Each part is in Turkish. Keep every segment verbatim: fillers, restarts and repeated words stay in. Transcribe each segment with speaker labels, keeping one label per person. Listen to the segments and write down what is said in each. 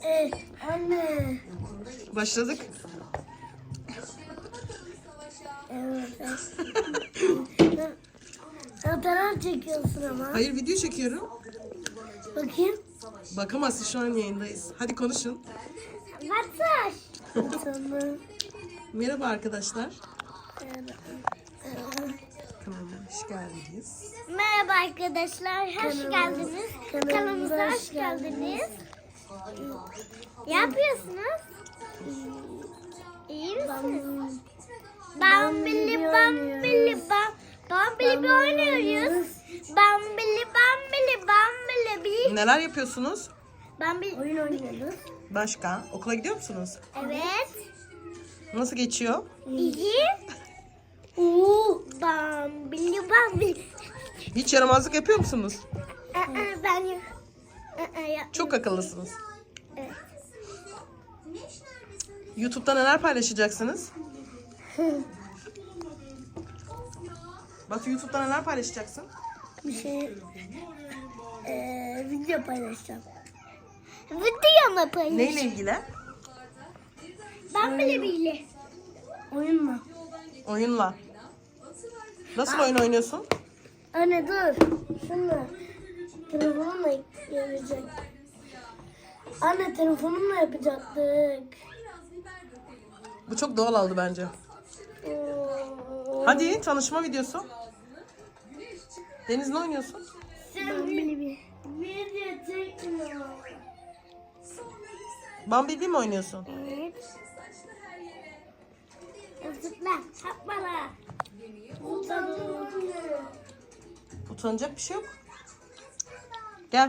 Speaker 1: Evet anne.
Speaker 2: Başladık.
Speaker 1: Evet. Fotoğraf çekiyorsun ama.
Speaker 2: Hayır, video çekiyorum.
Speaker 1: Bakayım.
Speaker 2: Bakamazsın, şu an yayındayız. Hadi konuşun.
Speaker 1: Mesaj. Tamam.
Speaker 2: Merhaba arkadaşlar. Kanalıma hoş geldiniz.
Speaker 1: Merhaba arkadaşlar, hoş geldiniz. Kanalımıza hoş geldiniz. Ne yapıyorsunuz? İyi misiniz? Bambili bambili bam bambili bir oynuyoruz. Bambili bambili bambili bir.
Speaker 2: Neler yapıyorsunuz?
Speaker 1: Bambili oyun oynuyoruz.
Speaker 2: Başka? Okula gidiyor musunuz?
Speaker 1: Evet.
Speaker 2: Nasıl geçiyor?
Speaker 1: İyi. Uuu bambili bambili.
Speaker 2: Hiç yaramazlık yapıyor musunuz?
Speaker 1: Aa, ben yok. Aa, ya-
Speaker 2: Çok akıllısınız.
Speaker 1: Evet.
Speaker 2: YouTube'da neler paylaşacaksınız? Batu, YouTube'da neler paylaşacaksın?
Speaker 1: Bir şey eee video paylaşacağım. Video mu paylaşacağım?
Speaker 2: Neyle ilgili?
Speaker 1: Ben bile bile. Oyun mu?
Speaker 2: Oyunla. Nasıl oyun oynuyorsun?
Speaker 1: Anne dur. Şunla. Telefonumla gelecek. Anne telefonumla yapacaktık.
Speaker 2: Bu çok doğal oldu bence.
Speaker 1: Oo.
Speaker 2: Hadi, tanışma videosu. Deniz, ne oynuyorsun?
Speaker 1: Ben bile bile. Video çekmiyor.
Speaker 2: Bumblebee mi oynuyorsun?
Speaker 1: Evet. Zıpla. Hopala.
Speaker 2: Utanacak bir şey yok. Gel.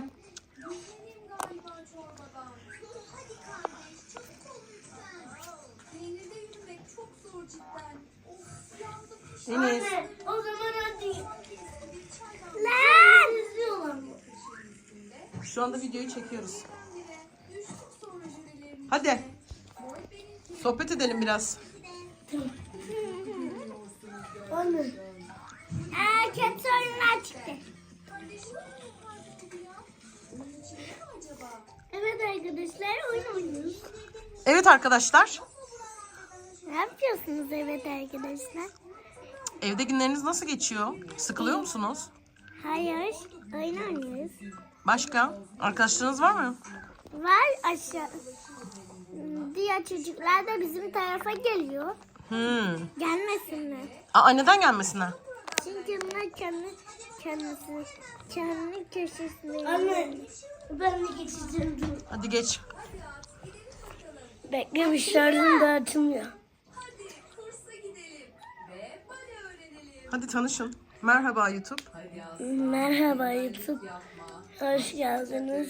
Speaker 2: Enes.
Speaker 1: Anne, o zaman hadi. Lan! İzliyorlar mı?
Speaker 2: Şu anda videoyu çekiyoruz. Hadi. Sohbet edelim biraz.
Speaker 1: Anne. Aa, kötü oyunlar çıktı. Evet arkadaşlar, oyun oynuyoruz.
Speaker 2: Evet arkadaşlar.
Speaker 1: Ne yapıyorsunuz evet arkadaşlar?
Speaker 2: Evde günleriniz nasıl geçiyor? Sıkılıyor musunuz?
Speaker 1: Hayır, oyun oynuyoruz.
Speaker 2: Başka? Arkadaşlarınız var mı?
Speaker 1: Var aşağı. Diğer çocuklar da bizim tarafa geliyor.
Speaker 2: Hmm.
Speaker 1: Gelmesinler.
Speaker 2: Aa, neden gelmesinler?
Speaker 1: Çünkü bunlar kendi kendisi kendi köşesinde. Anne, ben de geçeceğim.
Speaker 2: Hadi geç.
Speaker 1: Bekle, bir şarjım da açılmıyor.
Speaker 2: Hadi tanışın. Merhaba YouTube.
Speaker 1: Merhaba YouTube. Hoş geldiniz.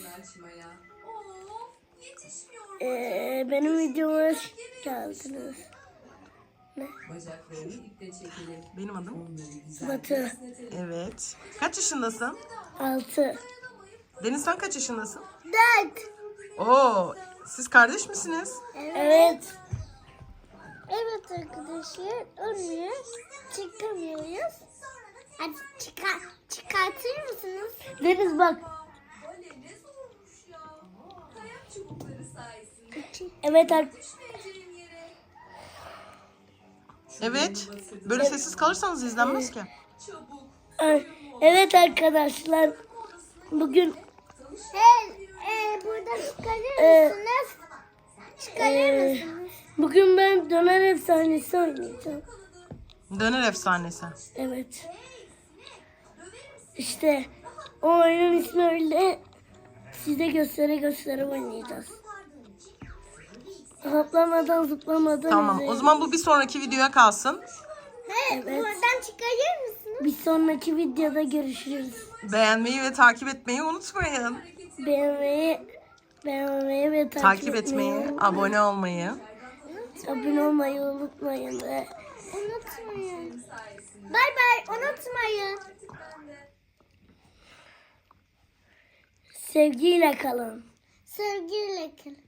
Speaker 1: Ee, benim videoma hoş geldiniz. Ne?
Speaker 2: Benim adım.
Speaker 1: Batu.
Speaker 2: Evet. Kaç yaşındasın?
Speaker 1: Altı.
Speaker 2: Deniz, sen kaç yaşındasın?
Speaker 1: Dört.
Speaker 2: Oo, siz kardeş misiniz?
Speaker 1: Evet. Evet arkadaşlar. Olmuyor. Çıkamıyoruz. Hadi çıkar, çıkartır mısınız? Deniz bak. Evet arkadaşlar.
Speaker 2: Evet. Böyle sessiz kalırsanız izlenmez ki.
Speaker 1: Evet arkadaşlar. Bugün Hey, e, buradan çıkarır mısınız? Çıkarır mısınız? Bugün ben döner efsanesi oynayacağım.
Speaker 2: Döner efsanesi.
Speaker 1: Evet. İşte o oyunun ismi öyle. Size göstere göstere oynayacağız. Hoplamadan zıplamadan.
Speaker 2: Tamam.
Speaker 1: izleyin.
Speaker 2: O zaman bu bir sonraki videoya kalsın.
Speaker 1: Evet. Buradan çıkarır mısınız? Bir sonraki videoda görüşürüz.
Speaker 2: Beğenmeyi ve takip etmeyi unutmayın.
Speaker 1: Beğenmeyi, beğenmeyi ve takip,
Speaker 2: Takip etmeyi, abone olmayı.
Speaker 1: abone olmayı unutmayın. Ve... Unutmayın. Bay bay, unutmayın. Sevgiyle kalın. Sevgiyle kalın.